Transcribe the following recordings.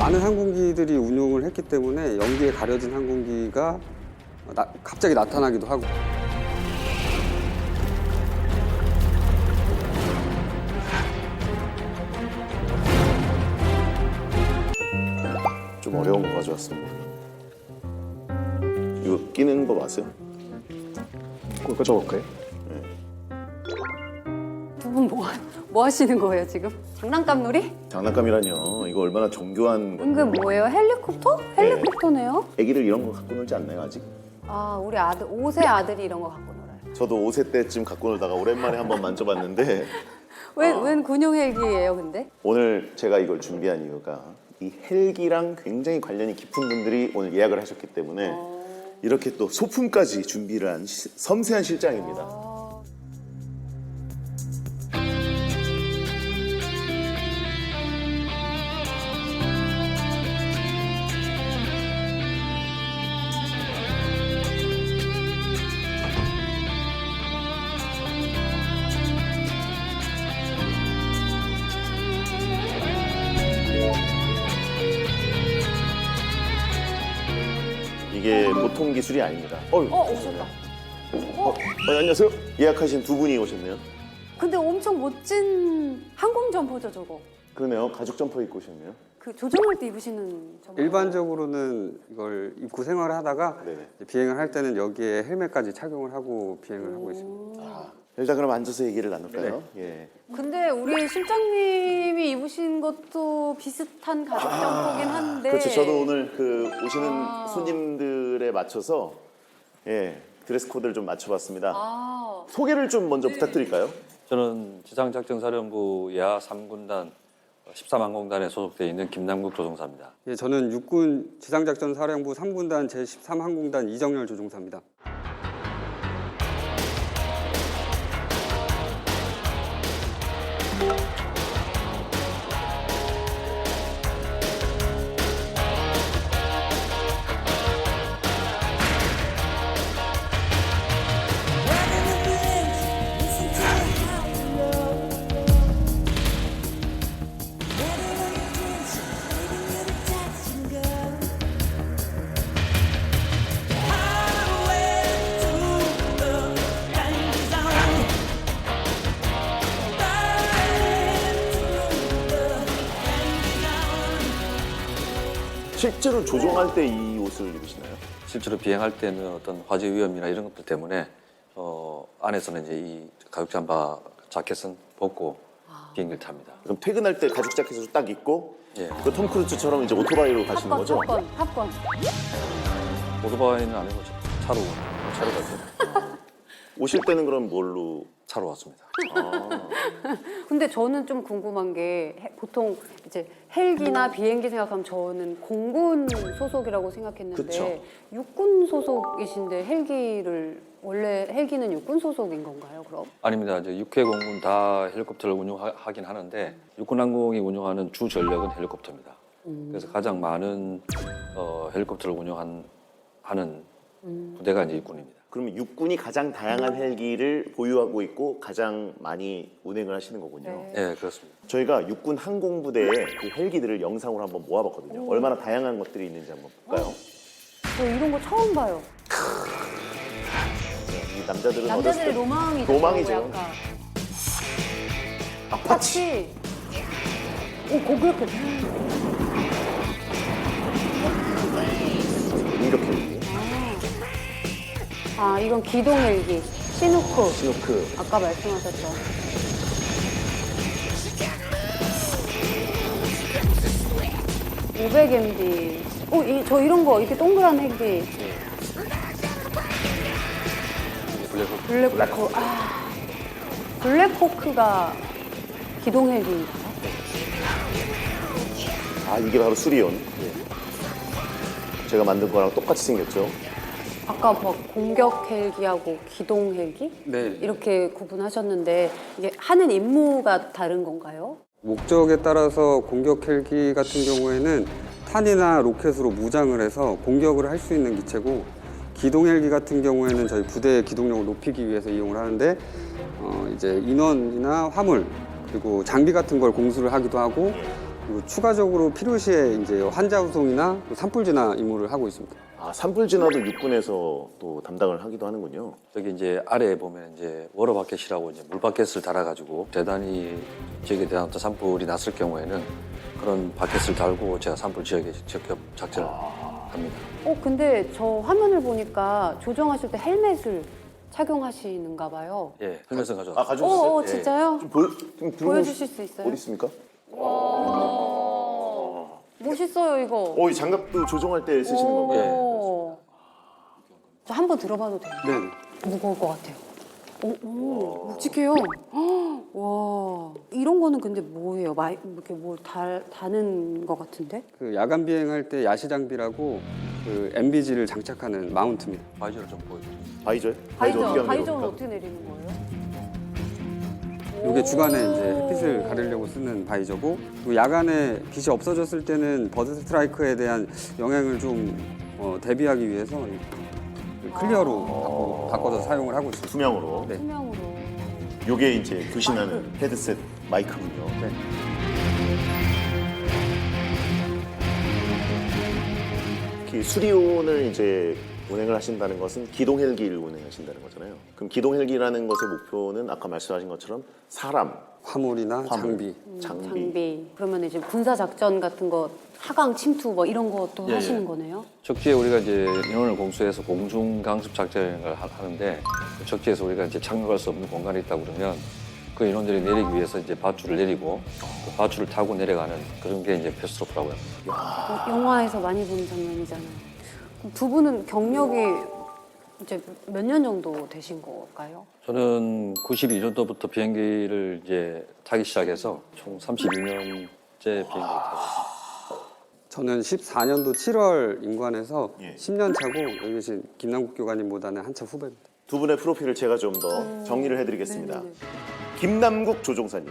많은 항공기들이 운용을 했기 때문에 연기에 가려진 항공기가 갑자기 나타나기도 하고. 좀 어려운 거 가져왔습니다. 이거 끼는 거 아세요? 그거 꽂아볼까요? 두 분 뭐 하시는 거예요 지금? 장난감 놀이? 장난감이라뇨. 이거 얼마나 정교한 건데. 은근 뭐예요? 헬리콥터? 헬리콥터네요? 애기들 이런 거 갖고 놀지 않나요 아직? 아 우리 아들 5세 아들이 이런 거 갖고 놀아요. 저도 5세 때쯤 갖고 놀다가 오랜만에 한번 만져봤는데 웬 군용 헬기예요 근데? 오늘 제가 이걸 준비한 이유가 이 헬기랑 굉장히 관련이 깊은 분들이 오늘 예약을 하셨기 때문에 이렇게 또 소품까지 준비를 한 섬세한 실장입니다. 이게 보통 기술이 아닙니다. 오셨다. 안녕하세요. 예약하신 두 분이 오셨네요. 근데 엄청 멋진 항공 점퍼죠 저거. 그러네요. 가죽 점퍼 입고 오셨네요. 그 조종할 때 입으시는 점퍼. 일반적으로는 이걸 입고 생활을 하다가 네네. 이제 비행을 할 때는 여기에 헬멧까지 착용을 하고 비행을 하고 있습니다. 일단 그럼 앉아서 얘기를 나눌까요? 예. 근데 우리 실장님이 입으신 것도 비슷한 가죽 점퍼긴 한데. 그렇죠. 저도 오늘 그 오시는 손님들에 맞춰서 드레스 코드를 좀 맞춰봤습니다. 소개를 좀 먼저 부탁드릴까요? 저는 지상작전사령부 예하 3군단 13항공단에 소속되어 있는 김남국 조종사입니다. 예, 저는 육군 지상작전사령부 3군단 제13항공단 이정열 조종사입니다. 실제로 조종할 때 이 옷을 입으시나요? 실제로 비행할 때는 어떤 화재 위험이나 이런 것들 때문에 안에서는 이제 이 가죽 잠바 자켓은 벗고 비행기를 탑니다. 그럼 퇴근할 때 가죽 자켓을 딱 입고 예. 그 톰 크루즈처럼 이제 오토바이로 가시는 거죠? 탑건. 오토바이는 아니고 차로 가죠. 오실 때는 그럼 뭘로? 차로 왔습니다. 근데 저는 좀 궁금한 게 보통 이제 헬기나 비행기 생각하면 저는 공군 소속이라고 생각했는데 그쵸. 육군 소속이신데 원래 헬기는 육군 소속인 건가요, 그럼? 아닙니다. 이제 6회 공군 다 헬리콥터를 운용하긴 하는데 육군항공이 운용하는 주 전력은 헬리콥터입니다. 그래서 가장 많은 헬리콥터를 운용하는 부대가 이제 육군입니다. 그러면 육군이 가장 다양한 헬기를 보유하고 있고 가장 많이 운행을 하시는 거군요. 네, 그렇습니다. 저희가 육군 항공부대의 그 헬기들을 영상으로 한번 모아봤거든요. 얼마나 다양한 것들이 있는지 한번 볼까요? 저 이런 거 처음 봐요. 이 남자들은 남자들의 어렸을 로망이죠. 로망이죠. 약간. 아파치. 오, 고그렇게. 때 공격 헬기, 아, 이건 기동 헬기. 시누크. 스노크, 아까 말씀하셨죠. (500MD) 저 이런 거 이렇게 동그란 헬기 블랙호크. 블랙호크가 기동 헬기인가요? 이게 바로 수리온. 제가 만든 거랑 똑같이 생겼죠. 아까 뭐 공격 헬기하고 기동 헬기 네. 이렇게 구분하셨는데 이게 하는 임무가 다른 건가요? 목적에 따라서 공격 헬기 같은 경우에는 탄이나 로켓으로 무장을 해서 공격을 할 수 있는 기체고, 기동 헬기 같은 경우에는 저희 부대의 기동력을 높이기 위해서 이용을 하는데 이제 인원이나 화물 그리고 장비 같은 걸 공수를 하기도 하고 그리고 추가적으로 필요시에 이제 환자 후송이나 산불 진화 임무를 하고 있습니다. 아, 산불 진화도 육군에서 또 담당을 하기도 하는군요. 저기 이제 아래에 보면 이제 워러바켓이라고 이제 물바켓을 달아가지고 대단히 지역에 대한 어떤 산불이 났을 경우에는 그런 바켓을 달고 제가 산불 지역에 직접 작전을 합니다. 근데 저 화면을 보니까 조정하실 때 헬멧을 착용하시는가 봐요. 예, 헬멧은 가져왔습니다. 아, 가져오셨어요? 어, 진짜요? 좀 보여주실 수 있어요? 어디 있습니까? 멋있어요, 이거. 이 장갑도 조종할 때 쓰시는 건가요? 오. 저 한번 들어봐도 돼요? 네. 무거울 것 같아요. 묵직해요. 헉, 와. 이런 거는 근데 뭐예요? 이렇게 뭘 다는 것 같은데? 그 야간 비행할 때 야시 장비라고 그 MBG를 장착하는 마운트입니다. 바이저를 좀 보여주세요. 바이저요? 어떻게 하는 바이저는 겁니까? 어떻게 내리는 거예요? 이게 주간에 이제 햇빛을 가리려고 쓰는 바이저고, 그리고 야간에 빛이 없어졌을 때는 버드 스트라이크에 대한 영향을 좀 대비하기 위해서 클리어로 바꿔서 사용을 하고 있습니다. 투명으로. 네. 투명으로. 요게 이제 교신하는 헤드셋 마이크군요. 네. 특히 수리온을 이제 운행을 하신다는 것은 기동 헬기를 운행하신다는 거잖아요. 그럼 기동 헬기라는 것의 목표는 아까 말씀하신 것처럼 사람, 화물이나 화물, 장비. 장비. 그러면 이제 군사 작전 같은 거, 하강 침투 뭐 이런 것도 예, 하시는 예. 거네요? 적지에 우리가 이제 인원을 공수해서 공중 강습 작전을 하는데 그 적지에서 우리가 이제 착륙할 수 없는 공간이 있다 그러면 그 인원들이 내리기 위해서 이제 밧줄을 내리고 그 밧줄을 타고 내려가는 그런 게 이제 패스트로프라고 합니다. 영화에서 많이 보는 장면이잖아요. 그럼 두 분은 경력이 이제 몇 년 정도 되신 걸까요? 저는 92년도부터 비행기를 이제 타기 시작해서 총 32년째 비행기를 타고 있습니다. 저는 14년도 7월 임관해서 예. 10년 차고 여기 계신 김남국 교관님보다는 한참 후배입니다. 두 분의 프로필을 제가 좀 더 정리를 해드리겠습니다. 네네네. 김남국 조종사님,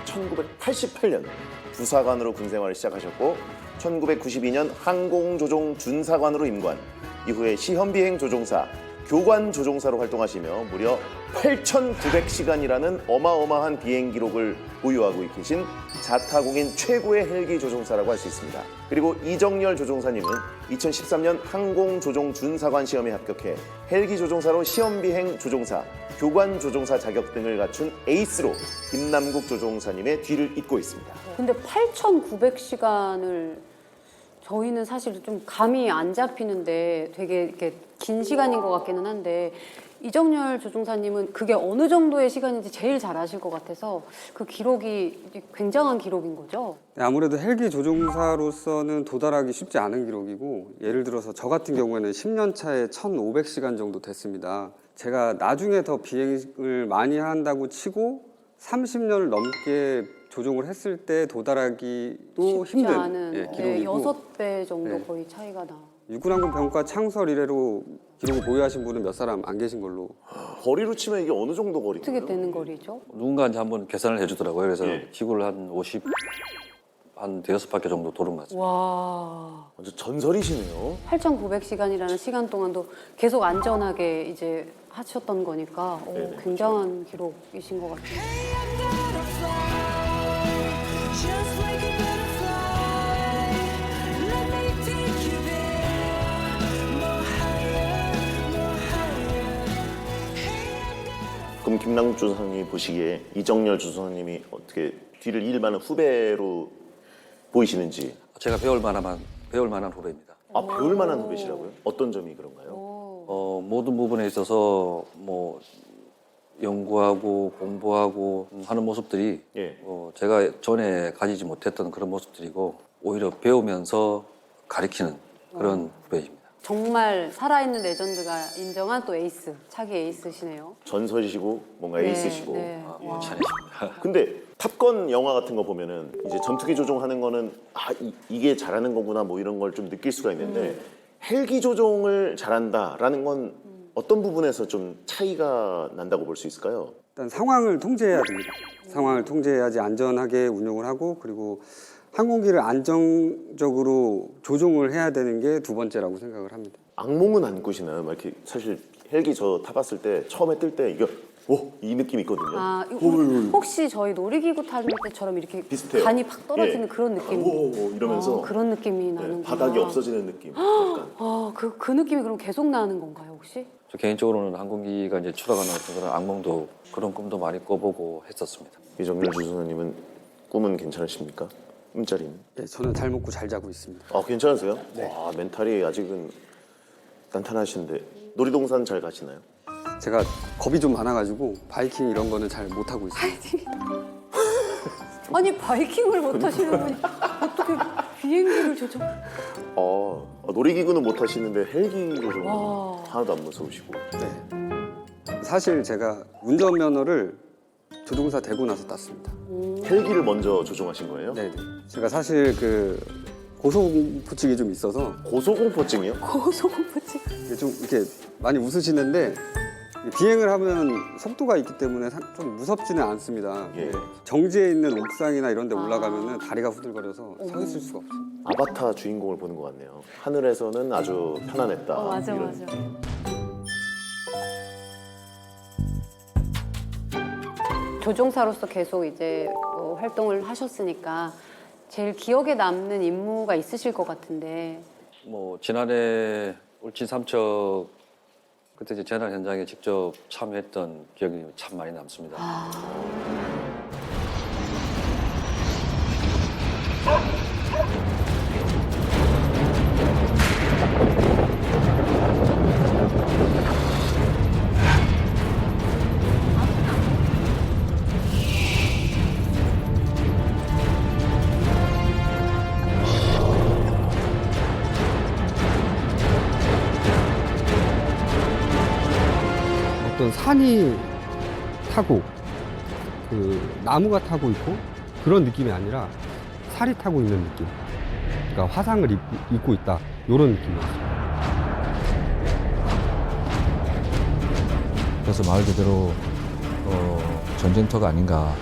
1988년 부사관으로 군 생활을 시작하셨고 1992년 항공조종 준사관으로 임관, 이후에 시험비행 조종사, 교관 조종사로 활동하시며 무려 8,900시간이라는 어마어마한 비행 기록을 보유하고 계신 자타공인 최고의 헬기 조종사라고 할 수 있습니다. 그리고 이정열 조종사님은 2013년 항공조종 준사관 시험에 합격해 헬기 조종사로 시험비행 조종사, 교관 조종사 자격 등을 갖춘 에이스로 김남국 조종사님의 뒤를 잇고 있습니다. 근데 8,900시간을 저희는 사실 좀 감이 안 잡히는데 되게 이렇게 긴 시간인 것 같기는 한데 이정열 조종사님은 그게 어느 정도의 시간인지 제일 잘 아실 것 같아서 그 기록이 이제 굉장한 기록인 거죠? 네, 아무래도 헬기 조종사로서는 도달하기 쉽지 않은 기록이고, 예를 들어서 저 같은 경우에는 10년 차에 1,500시간 정도 됐습니다. 제가 나중에 더 비행을 많이 한다고 치고 30년을 넘게 조종을 했을 때 도달하기도 쉽지 힘든 않은 기록이고, 6배 정도 네. 거의 차이가 나. 육군항공 병과 창설 이래로 기록을 보유하신 분은 몇 사람 안 계신 걸로. 거리로 치면 이게 어느 정도 거리인가요? 어떻게 되는 거리죠? 누군가 이제 한번 계산을 해주더라고요. 그래서 예. 지구를 한 대여섯 바퀴 정도 도는 것 같습니다. 와, 완전 전설이시네요. 8,900시간이라는 시간 동안도 계속 안전하게 이제 하셨던 거니까 네네. 굉장한 기록이신 것 같아요. Just like a butterfly, let me take you there, more higher, more higher. 그럼 김남국 조종사님이 보시기에 이정열 조종사님이 어떻게 뒤를 이을 만한 후배로 보이시는지. 제가 배울 만한 후배입니다. 아, 배울 만한 후배시라고요? 어떤 점이 그런가요? 모든 부분에 있어서 뭐 연구하고 공부하고 하는 모습들이 예. 제가 전에 가지지 못했던 그런 모습들이고 오히려 배우면서 가르치는 그런 후배입니다. 정말 살아있는 레전드가 인정한 또 에이스, 차기 에이스시네요. 전설이시고 뭔가 에이스시고. 네. 와. 찬이십니다. 근데 탑건 영화 같은 거 보면은 이제 전투기 조종하는 거는 이게 잘하는 거구나 뭐 이런 걸 좀 느낄 수가 있는데 헬기 조종을 잘한다라는 건 어떤 부분에서 좀 차이가 난다고 볼 수 있을까요? 일단 상황을 통제해야 됩니다. 상황을 통제해야지 안전하게 운용을 하고, 그리고 항공기를 안정적으로 조종을 해야 되는 게 두 번째라고 생각을 합니다. 악몽은 안 꾸시나요? 막 이렇게 사실 헬기 저 타봤을 때 처음에 뜰 때 이거 오, 이 느낌 있거든요. 아, 이거 혹시 저희 놀이기구 타는 때처럼 이렇게 비슷해요. 간이 팍 떨어지는 예. 그런 느낌? 오, 이러면서 그런 느낌이 네, 나는 바닥이 없어지는 느낌. 약간. 그 느낌이 그럼 계속 나는 건가요, 혹시? 저 개인적으로는 항공기가 이제 추락하는 어떤 그런 악몽도 그런 꿈도 많이 꿔보고 했었습니다. 이정렬 조종사님은 꿈은 괜찮으십니까? 꿈자리는? 예, 저는 잘 먹고 잘 자고 있습니다. 아, 괜찮으세요? 와, 멘탈이 아직은 단단하신데 놀이동산 잘 가시나요? 제가 겁이 좀 많아가지고 바이킹 이런 거는 잘 못하고 있습니다. 아니 바이킹을 못 하시는 분이 어떻게 비행기를 조종? 놀이기구는 못 하시는데 헬기 조종은 와. 하나도 안 무서우시고. 네. 사실 제가 운전면허를 조종사 되고 나서 땄습니다. 헬기를 먼저 조종하신 거예요? 네. 제가 사실 그 고소공포증이 좀 있어서 고소공포증이요? 고소공포증. 이게 좀 이렇게 많이 웃으시는데 비행을 하면 속도가 있기 때문에 좀 무섭지는 않습니다. 예. 정지해 있는 옥상이나 이런 데 올라가면 다리가 후들거려서 서 있을 수가 없어요. 아바타 주인공을 보는 것 같네요. 하늘에서는 아주 편안했다. 맞아 이런. 맞아. 조종사로서 계속 이제 활동을 하셨으니까 제일 기억에 남는 임무가 있으실 것 같은데. 뭐 지난해 울진 삼척 그때 이제 재난 현장에 직접 참여했던 기억이 참 많이 남습니다. 어떤 산이 타고 그 나무가 타고 있고 그런 느낌이 아니라 살이 타고 있는 느낌. 그러니까 화상을 입고 있다 이런 느낌이었어요. 그래서 말 그대로 전쟁터가 아닌가.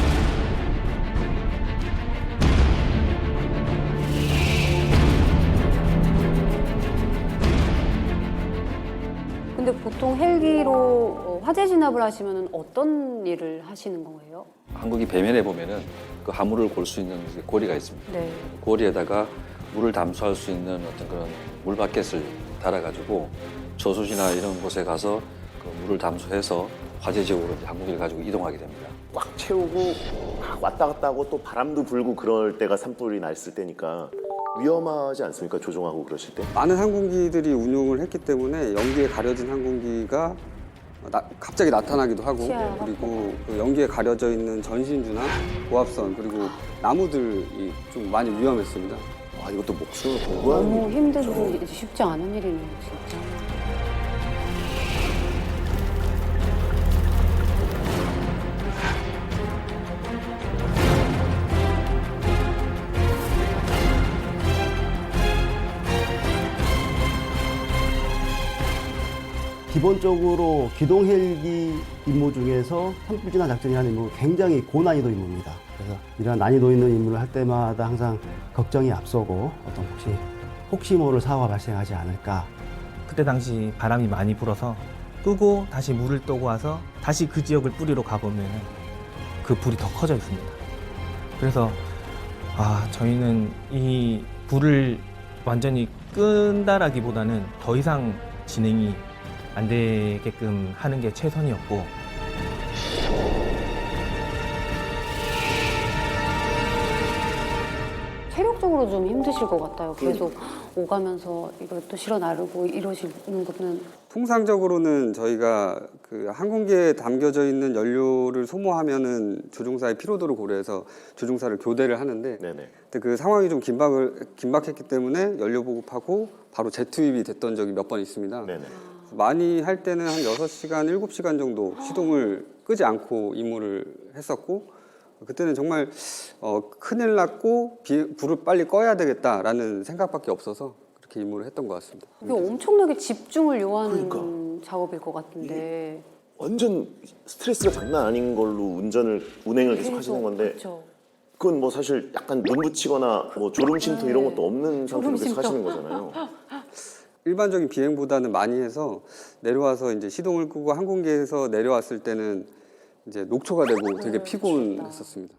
근데 보통 헬기로 화재 진압을 하시면 어떤 일을 하시는 거예요? 한국이 배면에 보면은 그 화물을 골 수 있는 그 고리가 있습니다. 네. 고리에다가 물을 담수할 수 있는 어떤 그런 물바켓을 달아가지고 저수지나 이런 곳에 가서 그 물을 담수해서 화재 지역으로 이제 항공기를 가지고 이동하게 됩니다. 꽉 채우고 막 왔다 갔다 하고 또 바람도 불고 그럴 때가 산불이 났을 때니까 위험하지 않습니까? 조종하고 그러실 때? 많은 항공기들이 운용을 했기 때문에 연기에 가려진 항공기가 갑자기 나타나기도 하고 치아하고. 그리고 그 연기에 가려져 있는 전신주나 고압선 그리고 나무들이 좀 많이 위험했습니다. 와, 이것도 목숨을 공부하는 너무 일이죠. 힘들고 쉽지 않은 일이네요, 진짜. 기본적으로 기동 헬기 임무 중에서 산불 진화 작전이라는 임무는 굉장히 고난이도 임무입니다. 그래서 이런 난이도 있는 임무를 할 때마다 항상 걱정이 앞서고 어떤 혹시 모를 사고가 발생하지 않을까. 그때 당시 바람이 많이 불어서 끄고 다시 물을 떠고 와서 다시 그 지역을 뿌리로 가보면 그 불이 더 커져 있습니다. 그래서 저희는 이 불을 완전히 끈다라기보다는 더 이상 진행이 안 되게끔 하는 게 최선이었고, 체력적으로 좀 힘드실 것 같아요. 계속 오가면서 이걸 또 실어 나르고 이러시는 것은. 통상적으로는 저희가 그 항공기에 담겨져 있는 연료를 소모하면은 조종사의 피로도를 고려해서 조종사를 교대를 하는데 네네. 근데 그 상황이 좀 긴박했기 때문에 연료 보급하고 바로 재투입이 됐던 적이 몇 번 있습니다. 네네. 많이 할 때는 한 6시간, 7시간 정도 시동을 끄지 않고 임무를 했었고 그때는 정말 큰일 났고 불을 빨리 꺼야 되겠다라는 생각밖에 없어서 그렇게 임무를 했던 것 같습니다. 이게 엄청나게 집중을 요하는 작업일 것 같은데. 완전 스트레스가 장난 아닌 걸로 운행을 계속 하시는 건데 그렇죠. 그건 뭐 사실 약간 눈 붙이거나 뭐 졸음 쉼터 이런 것도 없는 상태로 계속 졸음 쉼터. 하시는 거잖아요. 일반적인 비행보다는 많이 해서 내려와서 이제 시동을 끄고 항공기에서 내려왔을 때는 이제 녹초가 되고 되게 피곤했었습니다.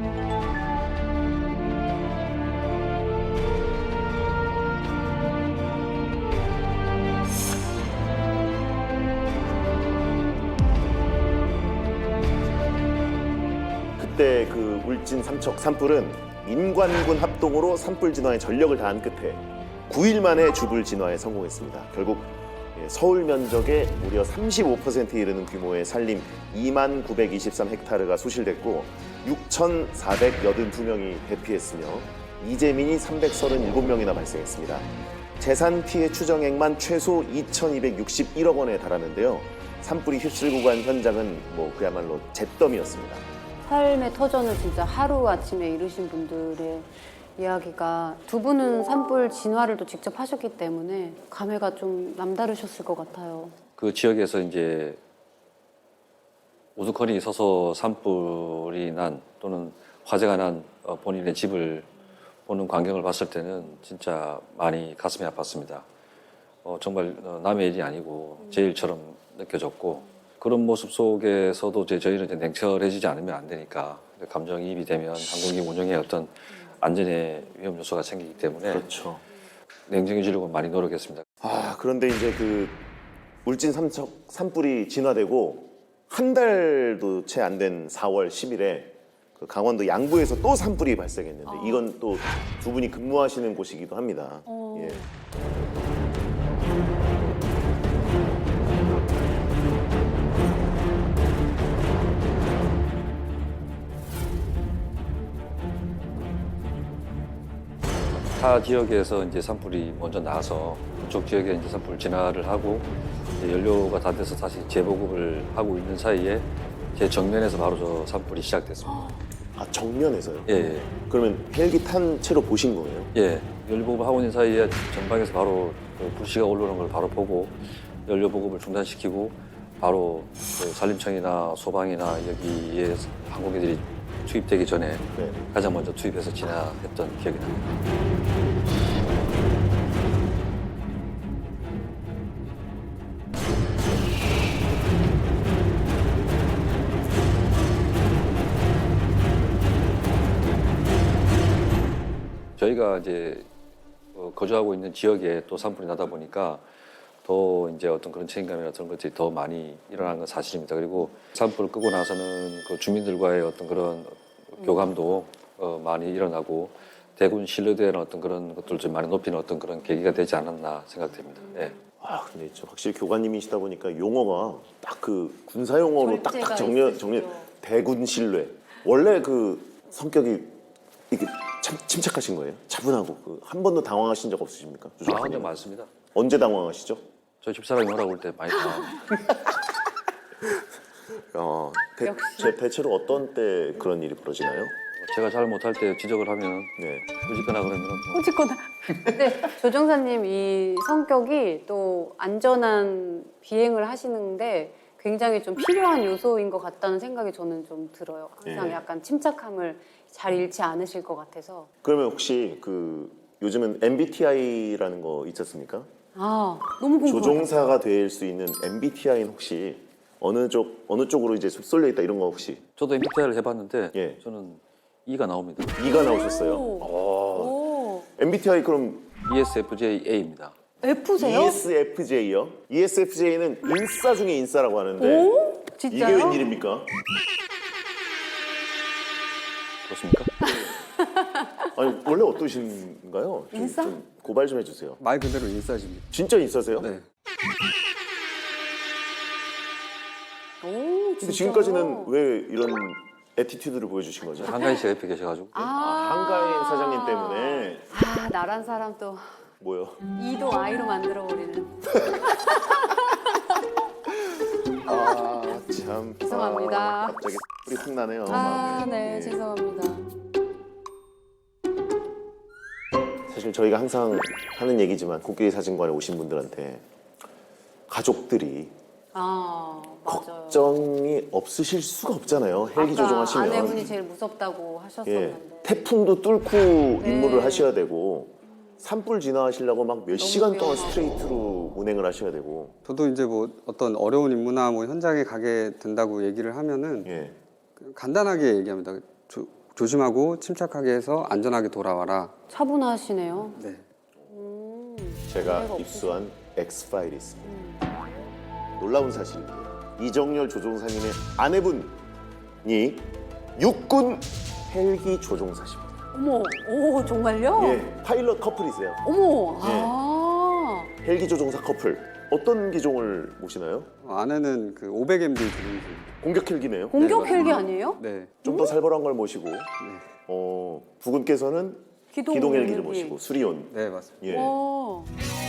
그때 그 울진 삼척 산불은 민관군 합동으로 산불 진화에 전력을 다한 끝에 9일 만에 주불 진화에 성공했습니다. 결국 서울 면적의 무려 35%에 이르는 규모의 산림 2923헥타르가 소실됐고 6,482명이 대피했으며 이재민이 337명이나 발생했습니다. 재산 피해 추정액만 최소 2,261억 원에 달하는데요. 산불이 휩쓸고 간 현장은 뭐 그야말로 잿더미였습니다. 삶의 터전을 진짜 하루아침에 이루신 분들의 이야기가 두 분은 산불 진화를 또 직접 하셨기 때문에 감회가 좀 남다르셨을 것 같아요. 그 지역에서 이제 우두커니 서서 산불이 난 또는 화재가 난 본인의 집을 보는 광경을 봤을 때는 진짜 많이 가슴이 아팠습니다. 정말 남의 일이 아니고 제 일처럼 느껴졌고 그런 모습 속에서도 저희는 이제 냉철해지지 않으면 안 되니까 감정이입이 되면 항공기 운영에 어떤 안전의 위험 요소가 생기기 때문에 그렇죠. 냉정해지려고 많이 노력했습니다. 그런데 이제 그 울진 삼척 산불이 진화되고 한 달도 채 안 된 4월 10일에 그 강원도 양구에서 또 산불이 발생했는데 이건 또 두 분이 근무하시는 곳이기도 합니다. 예. 타 지역에서 이제 산불이 먼저 나서 그쪽 지역에 이제 산불 진화를 하고 이제 연료가 다 돼서 다시 재보급을 하고 있는 사이에 제 정면에서 바로 저 산불이 시작됐습니다. 아, 정면에서요? 예, 그러면 헬기 탄 채로 보신 거예요? 예. 연료 보급을 하고 있는 사이에 전방에서 바로 그 불씨가 올라오는 걸 바로 보고 연료 보급을 중단시키고 바로 그 산림청이나 소방이나 여기에 항공기들이 투입되기 전에 네. 가장 먼저 투입해서 진화했던 기억이 납니다. 저희가 이제 거주하고 있는 지역에 또 산불이 나다 보니까 더 이제 어떤 그런 책임감이나 그런 것들이 더 많이 일어나는 건 사실입니다. 그리고 산불을 끄고 나서는 그 주민들과의 어떤 그런 교감도 많이 일어나고 대군 신뢰도에는 어떤 그런 것들을 좀 많이 높이는 어떤 그런 계기가 되지 않았나 생각됩니다. 예. 근데 확실히 교관님이시다 보니까 용어가 딱 그 군사 용어로 딱딱 정렬 대군 신뢰. 원래 그 성격이 이게 참 침착하신 거예요? 차분하고 한 번도 당황하신 적 없으십니까? 한 적 많습니다. 언제 당황하시죠? 저희 집사람이 오라고 할 때 많이 당황합니다. 대체로 어떤 때 그런 일이 벌어지나요? 제가 잘 못할 때 지적을 하면 네. 꾸짖거나 그러면 꼬집거나. 근데 조종사님 이 성격이 또 안전한 비행을 하시는데 굉장히 좀 필요한 요소인 것 같다는 생각이 저는 좀 들어요. 항상 예. 약간 침착함을 잘 잃지 않으실 것 같아서. 그러면 혹시 그 요즘은 MBTI라는 거 있었습니까? 너무 궁금해요. 조종사가 될 수 있는 MBTI는 혹시 어느 쪽으로 이제 쏠려 있다 이런 거 혹시? 저도 MBTI를 해봤는데 예. 저는 E가 나옵니다. 2가 나오셨어요. 오. MBTI 그럼 ESFJA입니다. F세요? ESFJ요? ESFJ는 인싸 중에 인싸라고 하는데 오? 진짜요? 이게 웬일입니까? 그렇습니까? 아니 원래 어떠신가요? 인싸? 좀 고발 좀 해주세요. 말 그대로 인싸십니다. 진짜 인싸세요? 네. 오, 근데 지금까지는 왜 이런 애티튜드를 보여주신 거죠? 한가인 씨가 옆에 계셔가지고 한가인 사장님 때문에 나란 사람 또 뭐요? E도 I로 만들어버리는. 참 죄송합니다. 갑자기 뿌리 훅 나네요. 마음에. 네, 예. 죄송합니다. 사실 저희가 항상 하는 얘기지만 코끼리 사진관에 오신 분들한테 가족들이 맞아요. 걱정이 없으실 수가 없잖아요. 헬기 아까 조종하시면. 아내분이 제일 무섭다고 예, 하셨었는데. 태풍도 뚫고 임무를 하셔야 되고 산불 진화하시려고 막 몇 시간 동안 스트레이트로 운행을 하셔야 되고. 저도 이제 뭐 어떤 어려운 임무나 뭐 현장에 가게 된다고 얘기를 하면은 예. 간단하게 얘기합니다. 조심하고 침착하게 해서 안전하게 돌아와라. 차분하시네요. 네. 제가 문제가 입수한 X파일이 있습니다. 놀라운 사실입니다. 이정열 조종사님의 아내분이 육군 헬기 조종사십니다. 어머, 오 정말요? 예, 파일럿 커플이세요. 어머, 예. 아. 헬기 조종사 커플. 어떤 기종을 모시나요? 아내는 그 500MD 조종사. 공격 헬기네요. 공격 네, 헬기 아니에요? 네. 좀 더 살벌한 걸 모시고 부군께서는 기동 헬기를 모시고 수리온. 네, 맞습니다. 예. 와.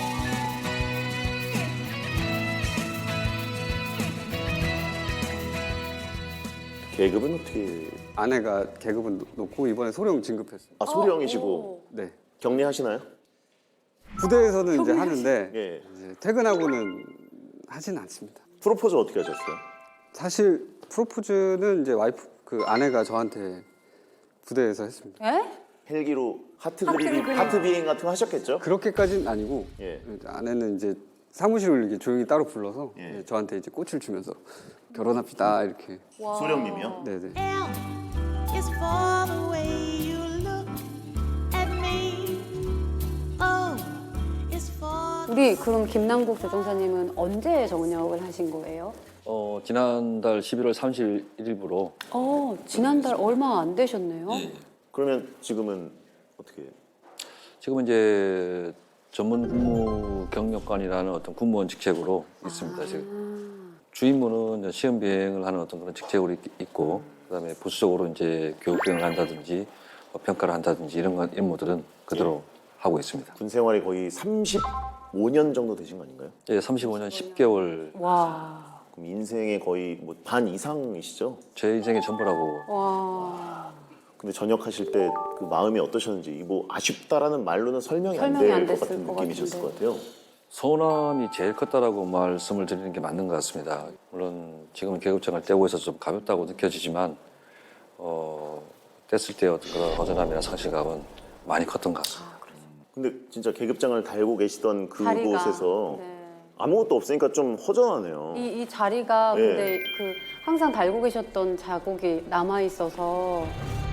계급은 어떻게? 아내가 계급은 높고 이번에 소령 진급했어요. 아 소령이시고 네. 격리하시나요? 부대에서는 이제 하는데 예. 이제 퇴근하고는 하진 않습니다. 프로포즈 어떻게 하셨어요? 사실 프로포즈는 이제 와이프 그 아내가 저한테 부대에서 했습니다. 에? 헬기로 하트 하트 그리기, 그림. 하트 비행 같은 거 하셨겠죠? 그렇게까지는 아니고 예. 아내는 이제 사무실을 이렇게 조용히 따로 불러서 예. 이제 저한테 이제 꽃을 주면서 결혼합시다 이렇게. 와. 소령님이요? 네네. L is for the way you look at me. O is for 우리 그럼 김남국 조종사님은 언제 정년을 하신 거예요? 지난달 11월 31일부로 지난달 얼마 안 되셨네요. 그러면 지금은 어떻게? 지금은 이제 전문 군무 경력관이라는 어떤 군무원 직책으로 있습니다. 지금 주임무는 이제 시험 비행을 하는 어떤 그런 직책으로 있고, 그다음에 부수적으로 이제 교육 비행을 한다든지 뭐 평가를 한다든지 이런 임무들은 그대로 하고 있습니다. 군 생활이 거의 35년 정도 되신 거 아닌가요? 예, 35년 10개월 와. 그럼 인생의 거의 뭐 반 이상이시죠? 제 인생의 전부라고. 와. 근데 전역하실 때 그 마음이 어떠셨는지 뭐 아쉽다라는 말로는 설명이 안 설명이 안 될 것 됐을 같은 것 느낌이셨을 같은데. 것 같아요. 서운함이 제일 컸다라고 말씀을 드리는 게 맞는 것 같습니다. 물론 지금은 계급장을 떼고 있어서 좀 가볍다고 느껴지지만 뗐을 때 어떤 그런 허전함이나 상실감은 많이 컸던 것 같습니다. 근데 진짜 계급장을 달고 계시던 자리가, 그곳에서 네. 아무것도 없으니까 좀 허전하네요. 이 자리가 예. 근데 그 항상 달고 계셨던 자국이 남아 있어서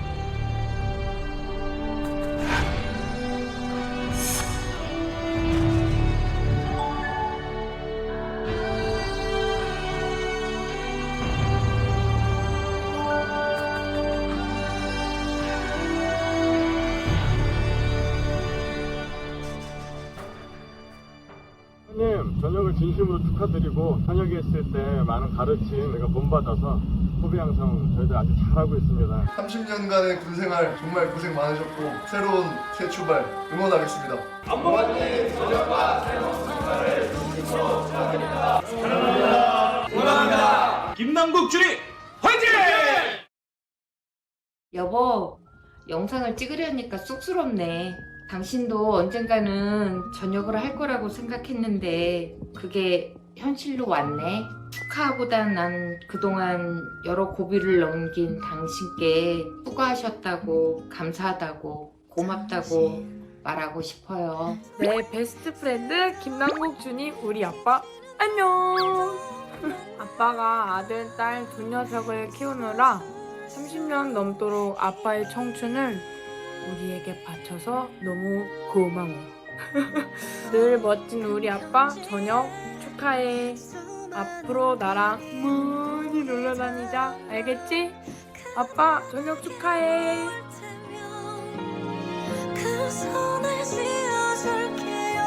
선생님, 전역을 진심으로 축하드리고 현역했을 때 많은 가르침 내가 본받아서 후배 양성 저희들 아주 잘하고 있습니다. 30년간의 군생활 정말 고생 많으셨고 새로운 새 출발 응원하겠습니다. 김남국 주리 화이팅! 여보, 영상을 찍으려니까 쑥스럽네. 당신도 언젠가는 전역을 할 거라고 생각했는데 그게 현실로 왔네. 축하보단 난 그동안 여러 고비를 넘긴 당신께 수고하셨다고, 감사하다고, 고맙다고 말하고 싶어요. 내 베스트 프렌드 김남국 주님 우리 아빠 안녕. 아빠가 아들, 딸 두 녀석을 키우느라 30년 넘도록 아빠의 청춘을 우리에게 바쳐서 너무 고마워. 늘 멋진 우리 아빠 저녁 축하해. 앞으로 나랑 많이 놀러 다니자. 알겠지? 아빠 저녁 축하해. 그 손을 쥐어줄게요.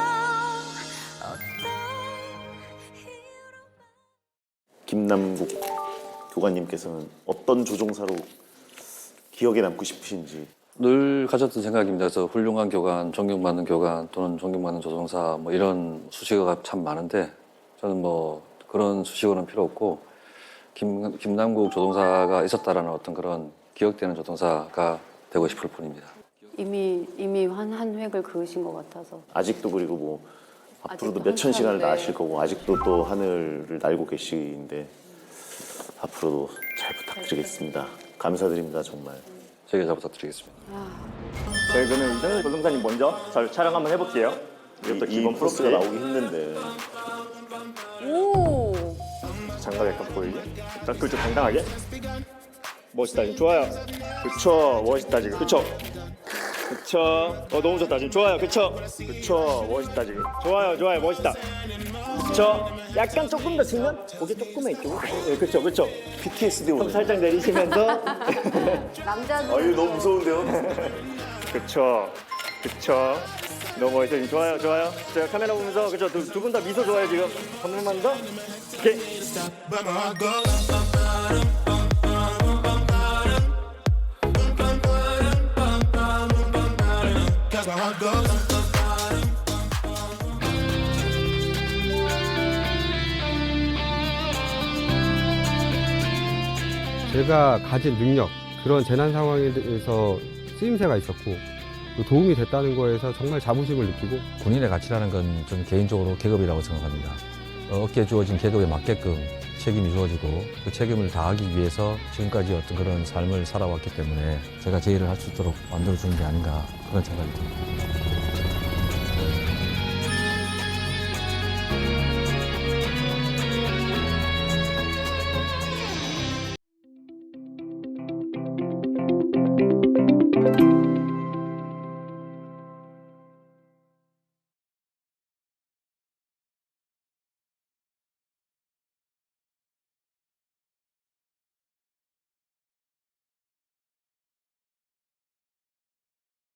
김남국 교관님께서는 어떤 조종사로 기억에 남고 싶으신지. 늘 가졌던 생각입니다. 그래서 훌륭한 교관, 존경받는 교관 또는 존경받는 조종사 뭐 이런 수식어가 참 많은데 저는 뭐 그런 수식어는 필요 없고 김남국 조종사가 있었다라는 어떤 그런 기억되는 조종사가 되고 싶을 뿐입니다. 이미 한 획을 그으신 것 같아서. 아직도 그리고 뭐 앞으로도 아직도 몇천 시간을 한참인데. 나실 거고 아직도 또 하늘을 날고 계시는데 앞으로도 잘 부탁드리겠습니다. 감사드립니다 정말. 저희가 잘 부탁드리겠습니다. 저희 그러면 이정열 조종사님 먼저 촬영 한번 해볼게요. 이것도 기본 프로스가 프로스. 나오기 힘든데. 오. 장갑 약간 보이게. 딱 그렇죠, 당당하게. 멋있다, 지금 좋아요. 그쵸, 멋있다 지금. 그쵸. 그쵸. 너무 좋다 지금. 좋아요. 그쵸. 그쵸, 멋있다 지금. 좋아요, 좋아요, 멋있다. 그쵸. 약간 조금 더 측면. 고개 조금만 이쪽으로. 네, 그쵸, 그쵸. PTSD 오네. 손 살짝 내리시면서. 남자들. 이거 너무 무서운데요? 그쵸. 그쵸. 너무 멋있어요. 좋아요, 좋아요. 제가 카메라 보면서 그쵸. 두 분 다 미소 좋아요 지금. 한 번만 더. 오케이. 제가 가진 능력, 그런 재난 상황에 대해서 쓰임새가 있었고 또 도움이 됐다는 거에서 정말 자부심을 느끼고 군인의 가치라는 건 좀 개인적으로 계급이라고 생각합니다. 어깨에 주어진 계급에 맞게끔 책임이 주어지고 그 책임을 다하기 위해서 지금까지 어떤 그런 삶을 살아왔기 때문에 제가 제 일을 할 수 있도록 만들어주는 게 아닌가 그런 생각이 듭니다.